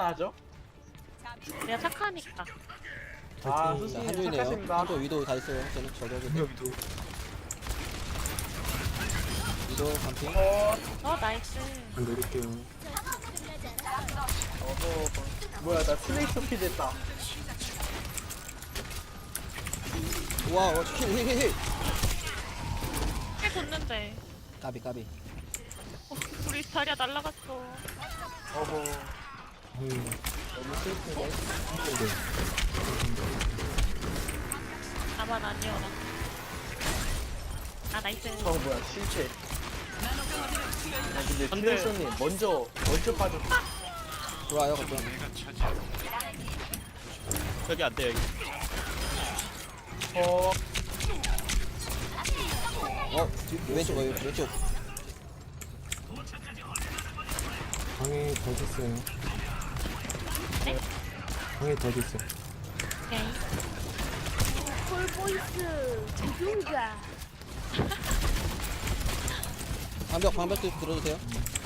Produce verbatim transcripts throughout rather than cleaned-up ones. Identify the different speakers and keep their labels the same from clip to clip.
Speaker 1: 하죠?
Speaker 2: 내가 착하니까.
Speaker 1: 아,
Speaker 3: 자,
Speaker 1: 수시
Speaker 3: 한조이네요.
Speaker 1: 착하십니다.
Speaker 3: 한조 위도 다 있어요. 저는 저격이
Speaker 4: 위도
Speaker 3: 위도 반핑.
Speaker 1: 어,
Speaker 2: 어 나이스.
Speaker 4: 안 내릴게요.
Speaker 1: 어허. 뭐야, 나 트레이서피 됐다.
Speaker 3: 우와, 어, 힐, 힐, 힐, 힐.
Speaker 2: 꽤 줬는데.
Speaker 3: 까비, 까비.
Speaker 2: 어, 우리 자리야 날라갔어.
Speaker 1: 어허.
Speaker 4: 음,
Speaker 1: 너무 슬프네.
Speaker 2: 나만 아니어라. 아 나이스.
Speaker 1: 어, 뭐야, 실체. 야, 근데 트레이서님, 먼저, 먼저 빠졌
Speaker 3: 들어와요, 걱정.
Speaker 5: 여기 안 돼, 여기.
Speaker 1: 어,
Speaker 3: 어, 뒤, 왼쪽, 어, 왼쪽.
Speaker 4: 방에 더 있어요.
Speaker 2: 네?
Speaker 4: 방에 더 있어.
Speaker 2: 오케이.
Speaker 6: 폴보이스 누군가
Speaker 3: 방벽, 방벽도 들어주세요.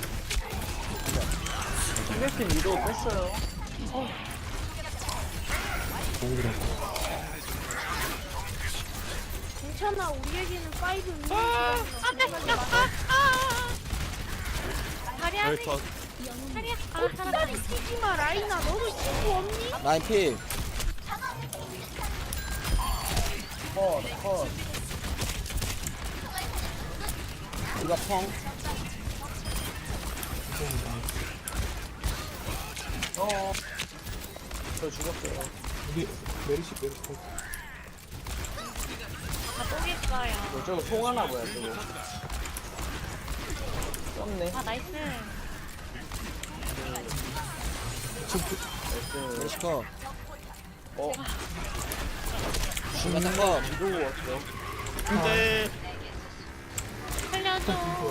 Speaker 1: 트레이서님 위로 뺐어요.
Speaker 4: 공기라고.
Speaker 6: 괜찮아 우리에게는 파이브 있는
Speaker 2: 안돼. 아, 아. 자리야.
Speaker 5: 여기 더.
Speaker 2: 자리야. 아 살았다.
Speaker 6: 다리 뛰지마 라이나 너도 친구 없니?
Speaker 3: 라인 필.
Speaker 1: 컷, 컷.
Speaker 3: 이거 펑.
Speaker 1: 어, 저 죽었어요.
Speaker 4: 우리 메리시 메리시.
Speaker 2: 나또 있어요.
Speaker 1: 어, 저거 송하나 뭐야, 저거. 썸네.
Speaker 2: 아 나이스.
Speaker 1: 나이스.
Speaker 3: 메시커.
Speaker 1: 어,
Speaker 3: 중간 거.
Speaker 1: 위로 왔어.
Speaker 5: 근데
Speaker 2: 살려줘.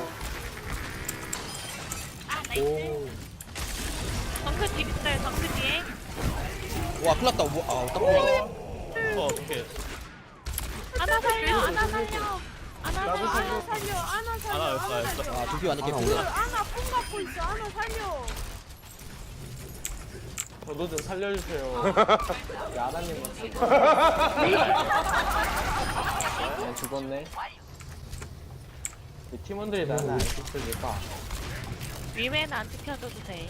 Speaker 2: 아 나이스.
Speaker 4: 오,
Speaker 2: 덩크 뒤 있어요. 덩크 뒤에.
Speaker 3: 와, 큰일 났다. 뭐, 아, 딱 보네.
Speaker 5: 어 어떻게?
Speaker 2: 아나 살려. 아나 살려. 아나
Speaker 1: 나도
Speaker 2: 살려.
Speaker 6: 아나 살려 아나 살려
Speaker 5: 하나 였어,
Speaker 6: 아나
Speaker 5: 였어.
Speaker 6: 살려
Speaker 3: 아, 두피 완전
Speaker 4: 아,
Speaker 3: 개피네.
Speaker 6: 아나 폰 갖고 있어 아나 살려
Speaker 1: 저도 좀 살려주세요. 야나님 네, 죽었네. 이 팀원들이 나는 안 지켜줄까?
Speaker 2: 위메는 안 지켜줘도 돼.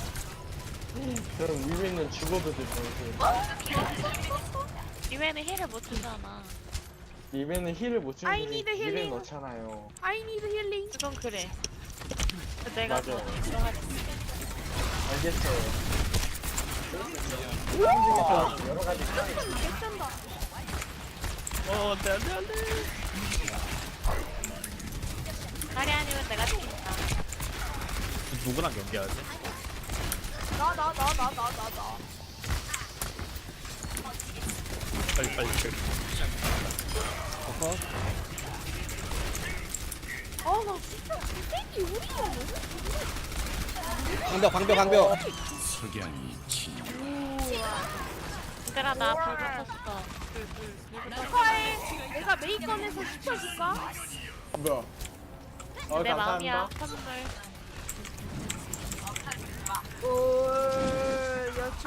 Speaker 1: 그럼 위에는 죽어도 되죠.
Speaker 2: 위메는 힐을 못 주잖아.
Speaker 1: 리벤은 힐을 못 주는
Speaker 6: I need
Speaker 1: 힐을
Speaker 6: healing.
Speaker 1: 넣잖아요.
Speaker 6: I need healing
Speaker 2: 그건 그래. 내가
Speaker 1: 맞아.
Speaker 2: 더 들어가지.
Speaker 1: 알겠어요. 와, 여러 가지
Speaker 6: 개쩐다
Speaker 5: 어 안돼 안돼 안돼.
Speaker 2: 다리 아니면 내가 죽인다.
Speaker 5: 누구랑 경기하지?
Speaker 6: 나 나 나 나 나 나나
Speaker 5: 빨리 빨리. 빨리.
Speaker 3: 어,
Speaker 6: 아나 진짜 이 우리가 너무
Speaker 3: 방벽, 방벽, 방벽.
Speaker 2: 얘들아 나 불 붙었어. 불불불
Speaker 6: 축하해 내가 메이컨에서 시켜줄까?
Speaker 1: 뭐야? 어,
Speaker 2: 내 마음이야.
Speaker 1: 감사합니다.
Speaker 6: 오
Speaker 2: 선물.
Speaker 6: 여친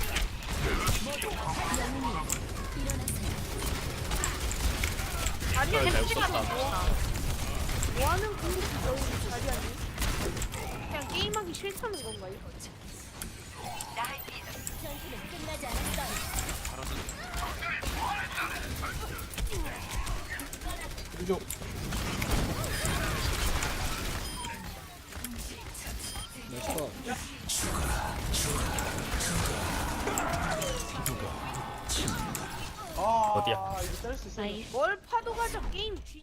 Speaker 6: 아니야
Speaker 5: 잘
Speaker 2: 택시가
Speaker 5: 썼다.
Speaker 2: 너무
Speaker 6: 뭐하는 공격이 너무 자리 아니? 그냥 게임하기 싫다는 건가요?
Speaker 4: 위도.
Speaker 3: 메시커.
Speaker 1: 아,
Speaker 5: 어디야?
Speaker 1: 이거 짤 수 있어.
Speaker 2: 나이스.
Speaker 6: 뭘 파도 가져 게임 쥐지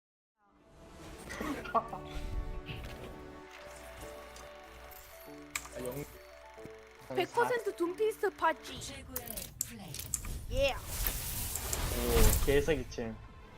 Speaker 1: 영...
Speaker 6: 백 퍼센트 둠피스트 파지 예
Speaker 1: 오, 개사기챔.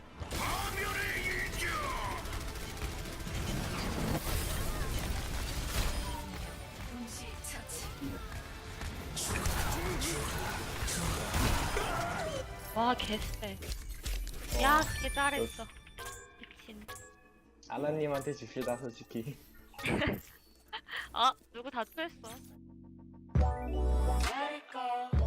Speaker 2: 와 개쎄. 야, 개 잘했어. 미친.
Speaker 1: 아나님한테 줍시다, 솔직히.
Speaker 2: 아, 누구 다투했어.
Speaker 7: Let it go.